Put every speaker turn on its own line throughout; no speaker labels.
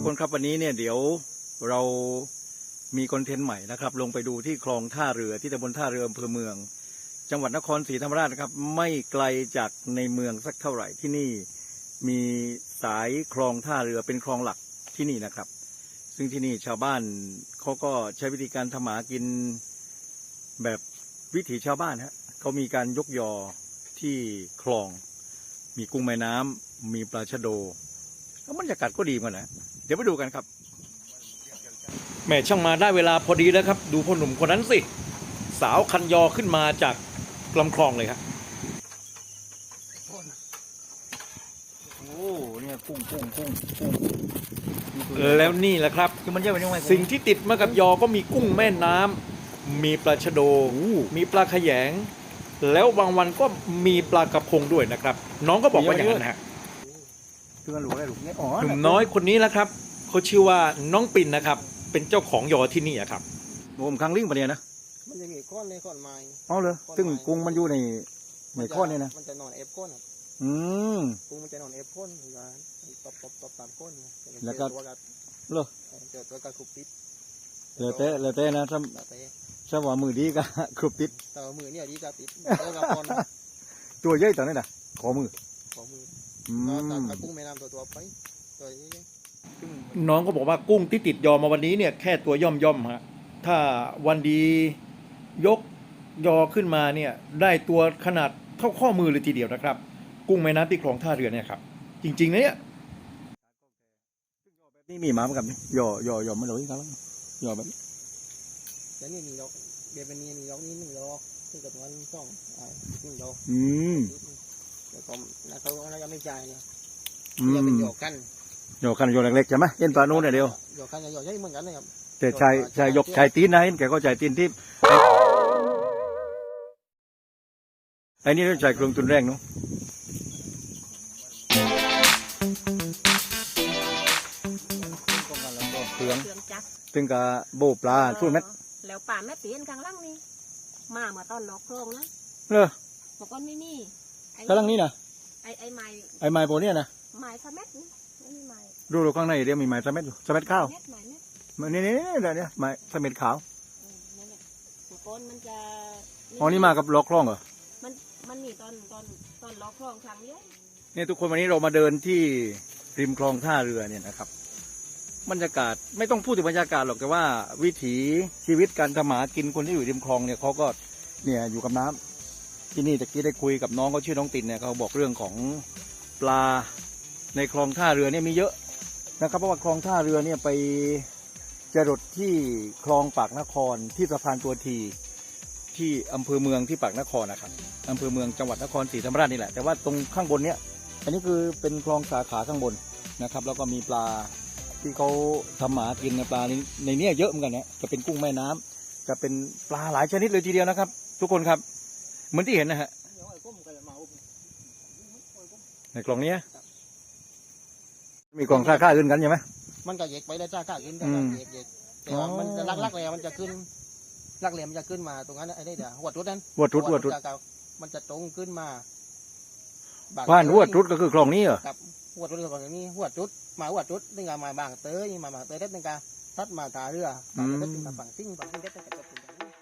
คนครับวันนี้เนี่ยเดี๋ยวเรามีคอนเทนต์ใหม่นะครับลงไปดูที่คลองท่าเรือที่ตำบลท่าเรืออำเภอเมืองจังหวัดนครศรีธรรมราชนะครับไม่ไกลจากในเมืองสักเท่าไหร่ที่นี่มีสายคลองท่าเรือเป็นคลองหลักที่นี่นะครับซึ่งที่นี่ชาวบ้านเขาก็ใช้วิธีการทำหากินแบบวิถีชาวบ้านฮะเขามีการยกยอที่คลองมีกุ้งแม่น้ำมีปลาชะโดแล้วบรรยากาศก็ดีเหมือนกันนะเดี๋ยวไปดูกันครับแม่ช่างมาได้เวลาพอดีแล้วครับดูพ่อหนุ่มคนนั้นสิสาวคันยอขึ้นมาจากลำคลองเลยครับโอ้เนี่ยกุ้งแล้วนี่แหละครับสิ่งที่ติดมากับยอก็มีกุ้งแม่น้ำมีปลาชะโดมีปลาขยงแล้วบางวันก็มีปลากระพงด้วยนะครับน้องก็บอกว่าอย่างนั้นฮะหนุ่มน้อยคนนี้แหละครับเขาชื่อว่าน้องปิ่นนะครับเป็นเจ้าของยอที่นี่ครับโอ้มคังลิงปะเนี่ยนะ
มันจะมีก้อนในก้อนไม้
อ๋อเหรอซึ่งกุ้งมันอยู่ในก้อนเนี่ยนะ
มันจะนอนเอฟก้อนกุ้งมันจะนอนเอฟก้อนอยู่ตบตามก้น
แล้วก็เหรอ
เจอตัวกระคุบติด
เลยเต้นะถ้าว่ามือดีก็ครุบติด
แต่มือเนี่ยดีก็ติด
ตัวใหญ่ตอนนี้นะขอมือ
แต่กุ้งแม่น้ำตัวไปตัว
น้องก็บอกว่ากุ้งที่ติดยอมาวันนี้เนี่ยแค่ตัวย่อมฮะถ้าวันดียกยอขึ้นมาเนี่ยได้ตัวขนาดเท่าข้อมือเลยทีเดียวนะครับกุ้งแม่น้ำที่คลองท่าเรือเนี่ยครับจริงๆนะเนี่ยนี่มีหมาเหมือนกันยอไม่รู้อีกแล้วยอแบบ
แล้วนี่มีดอกเบียร์เป็นมีดอกนี้1 ดอกที่กับวัน2 1 ดอกแล้วก็เขาจะไม่จ่ายเนี่ยจะเป็นหยอกกัน
โยกันโยเล็กๆใช่ไหมเย็นปลาโน่นเนี่ยเดียว
โยกันจะโยใหญ่เหมือนกันเลยครับ
แต่ชายยกชายตีนนะเห็นแกก็ชายตีนที่ไอ้นี่ต้องใช้เครื่องตุนแรงเนาะเครื่องจักรถึงกับโบปลาช่วยเม็ด
แล้วป่าแม่ตีนกลางล่างนี่มาเมื่อตอนล็อกโครงนะ
เหรอ
บอกว่าไม่มี
กลางล่างนี่นะ
ไอ้
ไม้โบเนี่ยนะ
ไม้สะเม็ดนี่ไม่มีไม้
ดูข้างในเดี๋ยวมีไม้สะเม็ดสะเม็ดข้าวนี่เดี๋ยวนี้ไม้สะเม็ดขาว
มันจะ
อ๋อนี่มากับล็อกคลองเหรอ
มันมีตอนล็อกคลองครั้งเดียว
เนี่ยทุกคนวันนี้เรามาเดินที่ริมคลองท่าเรือเนี่ยนะครับบรรยากาศไม่ต้องพูดถึงบรรยากาศหรอกแต่ว่าวิถีชีวิตการทำหากินคนที่อยู่ริมคลองเนี่ยเขาก็เนี่ยอยู่กับน้ำที่นี่ตะกี้ได้คุยกับน้องเขาชื่อน้องตินเนี่ยเขาบอกเรื่องของปลาในคลองท่าเรือเนี่ยมีเยอะนะครับเพราะว่าคลองท่าเรือเนี่ยไปจรดที่คลองปากนครที่สะพานตัวทีที่อำเภอเมืองที่ปากนครนะครับอำเภอเมืองจังหวัดนครศรีธรรมราชนี่แหละแต่ว่าตรงข้างบนเนี้ยอันนี้คือเป็นคลองสาขาข้างบนนะครับแล้วก็มีปลาที่เขาทำหากินในปลาในนี้เยอะเหมือนกันนะจะเป็นกุ้งแม่น้ำจะเป็นปลาหลายชนิดเลยทีเดียวนะครับทุกคนครับเหมือนที่เห็นนะฮะในกล่องนี้มีกล่องค่าอื่นกันใช่ไหม
มันก็เยกไปได้ค่าอื่นแต่แต่ว่ามันจะลักแล้วมันจะขึ้นลักเหลี่ยมจะขึ้นมาตรงนั้นไอ้นี่เดี๋ยวหัวทุดนั้น
หัวทุด
มันจะตรงขึ้นมา
บ้านหัวทุดก็คือคลองนี้เหรอ
ครับหัวทุดก็แบบนี้หัวทุดมาหัวทุดนี่ไงมาบางเตยมาบางเตยได้เป็นการทัดมาตาเรือได้เป็นการฝั่งซิ่งได้เป็นการเป็นอย่างนี้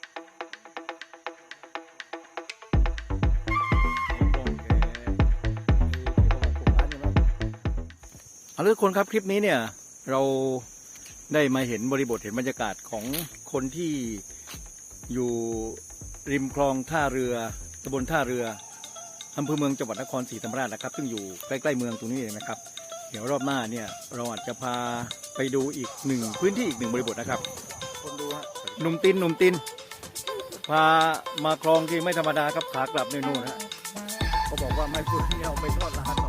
เอาละทุกคนครับคลิปนี้เนี่ยเราได้มาเห็นบริบทเห็นบรรยากาศของคนที่อยู่ริมคลองท่าเรือตำบลท่าเรืออำเภอเมืองจังหวัดนครศรีธรรมราชนะครับซึ่งอยู่ใกล้ๆเมืองตรงนี้เองนะครับเดี๋ยวรอบหน้าเนี่ยเราอาจจะพาไปดูอีกหนึ่งพื้นที่อีกหนึ่งบริบทนะครับคนดูฮะหนุ่มตินพามาคลองที่ไม่ธรรมดาครับขากลับในนู่นฮะเขาบอกว่าไม่พูดที่เอาไปทอดร้าน